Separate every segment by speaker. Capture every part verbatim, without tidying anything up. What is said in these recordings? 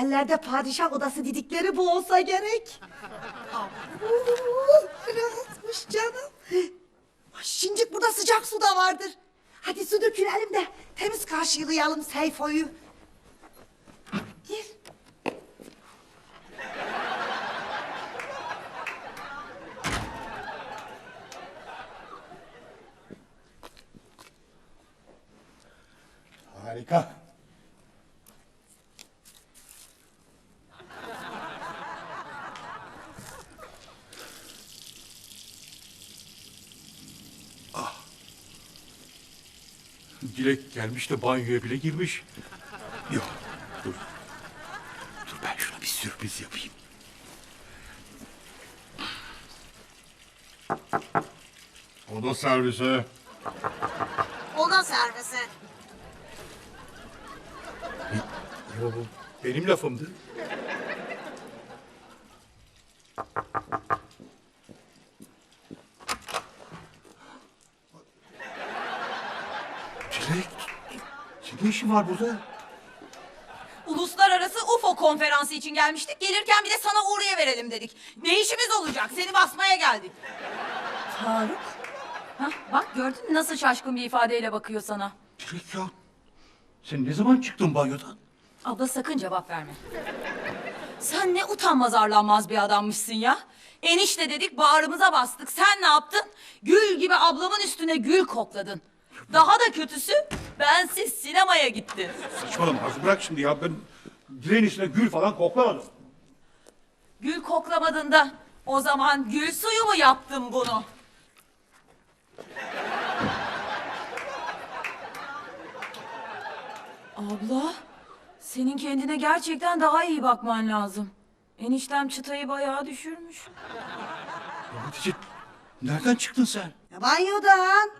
Speaker 1: otellerde padişah odası dedikleri bu olsa gerek. Rahatmış canım. Ay, Şincik burada sıcak su da vardır. Hadi su dökülelim de temiz karşılayalım Seyfo'yu. Gir.
Speaker 2: Harika. Ah. Dilek gelmiş de banyoya bile girmiş. Yok, dur. Dur ben şuna bir sürpriz yapayım. Oda servisi.
Speaker 1: Oda servisi.
Speaker 2: Yo, bu benim lafımdı. Dilek, senin ne işin var burada?
Speaker 3: Uluslararası U F O konferansı için gelmiştik. Gelirken bir de sana uğrayıverelim dedik. Ne işimiz olacak? Seni basmaya geldik.
Speaker 1: Faruk.
Speaker 3: Hah, bak gördün mü nasıl şaşkın bir ifadeyle bakıyor sana.
Speaker 2: Dilek ya, sen ne zaman çıktın banyodan?
Speaker 3: Abla sakın cevap verme. Sen ne utanmaz arlanmaz bir adammışsın ya. Enişte dedik bağrımıza bastık. Sen ne yaptın? Gül gibi ablamın üstüne gül kokladın. Daha da kötüsü bensiz sinemaya gittin.
Speaker 2: Saçmalama Arzu, bırak şimdi ya. Ben direğin içine gül falan koklamadım.
Speaker 3: Gül koklamadın da o zaman gül suyu mu yaptın bunu? Abla, senin kendine gerçekten daha iyi bakman lazım. Eniştem çıtayı bayağı düşürmüş.
Speaker 2: Ya Hatice, nereden çıktın sen?
Speaker 1: Ya banyodan.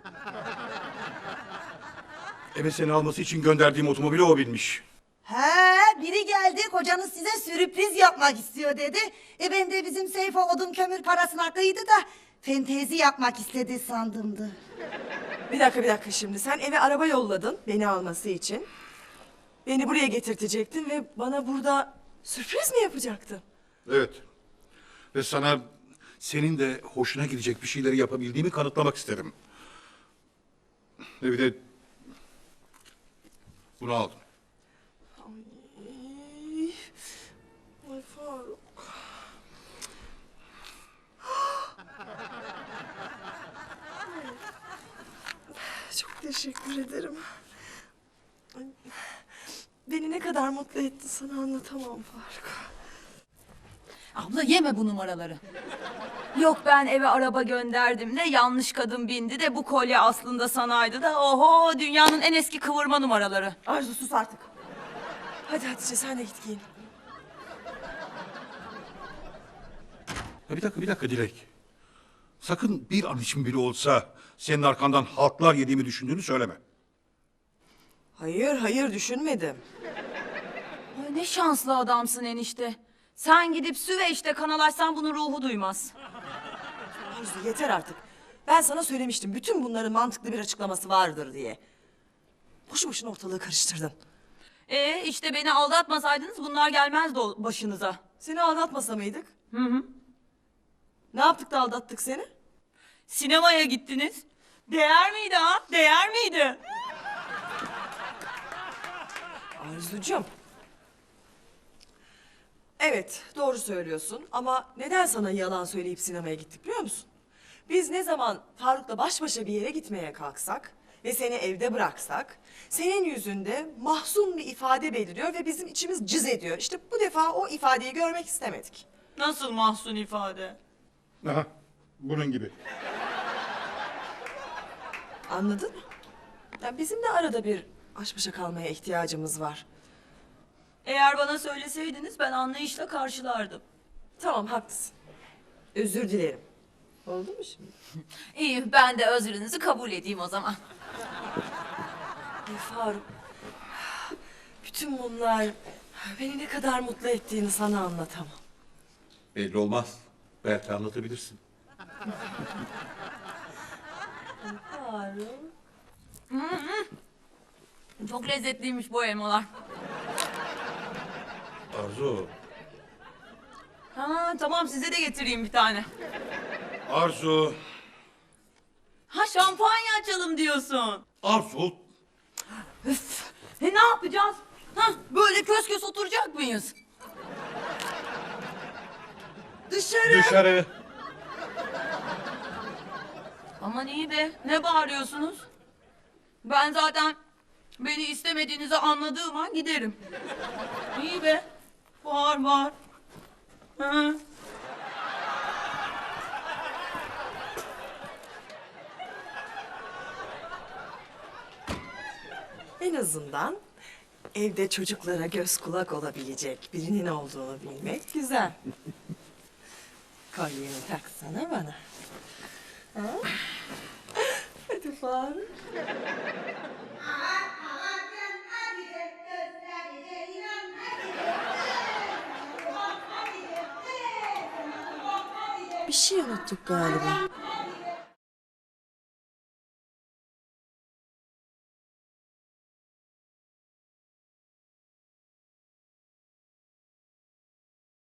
Speaker 2: Eve seni alması için gönderdiğim otomobili o binmiş.
Speaker 1: He, biri geldi kocanız size sürpriz yapmak istiyor dedi. E ben de bizim Seyfo odun kömür parasına kıydı da fentezi yapmak istedi sandımdı.
Speaker 4: Bir dakika bir dakika şimdi. Sen eve araba yolladın beni alması için. Beni buraya getirtecektin ve bana burada sürpriz mi yapacaktın?
Speaker 2: Evet. Ve sana senin de hoşuna gidecek bir şeyleri yapabildiğimi kanıtlamak isterim. Ve bir de bunu aldım.
Speaker 4: Ay, ay Faruk. Çok teşekkür ederim. Ay, beni ne kadar mutlu etti sana anlatamam Faruk.
Speaker 3: Abla yeme bu numaraları. Yok ben eve araba gönderdim de yanlış kadın bindi de bu kolye aslında sanaydı da oho dünyanın en eski kıvırma numaraları.
Speaker 4: Arzu sus artık. Hadi Hatice sen de git giyin.
Speaker 2: Ya bir dakika, bir dakika Dilek. Sakın bir an için bile olsa senin arkandan haltlar yediğimi düşündüğünü söyleme.
Speaker 4: Hayır hayır düşünmedim.
Speaker 3: Ay ne şanslı adamsın enişte. Sen gidip Süveyş'te kanal açsan bunun ruhu duymaz.
Speaker 4: Arzu yeter artık. Ben sana söylemiştim bütün bunların mantıklı bir açıklaması vardır diye. Boşu boşuna ortalığı karıştırdın.
Speaker 3: Ee işte beni aldatmasaydınız bunlar gelmezdi o başınıza.
Speaker 4: Seni aldatmasa mıydık?
Speaker 3: Hı hı.
Speaker 4: Ne yaptık da aldattık seni?
Speaker 3: Sinemaya gittiniz. Değer miydi ha? Değer miydi?
Speaker 4: Arzucuğum. Evet doğru söylüyorsun ama neden sana yalan söyleyip sinemaya gittik biliyor musun? Biz ne zaman Faruk'la baş başa bir yere gitmeye kalksak ve seni evde bıraksak senin yüzünde mahzun bir ifade beliriyor ve bizim içimiz cız ediyor. İşte bu defa o ifadeyi görmek istemedik.
Speaker 3: Nasıl mahzun ifade?
Speaker 2: Aha, bunun gibi.
Speaker 4: Anladın mı? Yani bizim de arada bir baş başa kalmaya ihtiyacımız var.
Speaker 3: Eğer bana söyleseydiniz ben anlayışla karşılardım.
Speaker 4: Tamam haklısın. Özür dilerim. Oldu mu şimdi?
Speaker 3: İyi ben de özrünüzü kabul edeyim o zaman.
Speaker 4: Ay Faruk. Bütün bunlar beni ne kadar mutlu ettiğini sana anlatamam.
Speaker 2: Belli olmaz. Belki anlatabilirsin.
Speaker 4: Faruk.
Speaker 3: Çok lezzetliymiş bu elmalar.
Speaker 2: Arzu.
Speaker 3: Ha tamam size de getireyim bir tane.
Speaker 2: Arzu.
Speaker 3: Ha şampanya açalım diyorsun.
Speaker 2: Arzu.
Speaker 3: Üf, e ne yapacağız? Ha böyle kös kös oturacak mıyız?
Speaker 1: Dışarı.
Speaker 2: Dışarı.
Speaker 3: Aman iyi be ne bağırıyorsunuz? Ben zaten beni istemediğinizi anladığım an giderim. İyi be. Bağır bağır. Hı.
Speaker 4: En azından evde çocuklara göz kulak olabilecek birinin olduğunu bilmek güzel. Kolyeni taksana bana. Ha? Hadi Faruk. Bir şey unuttuk galiba.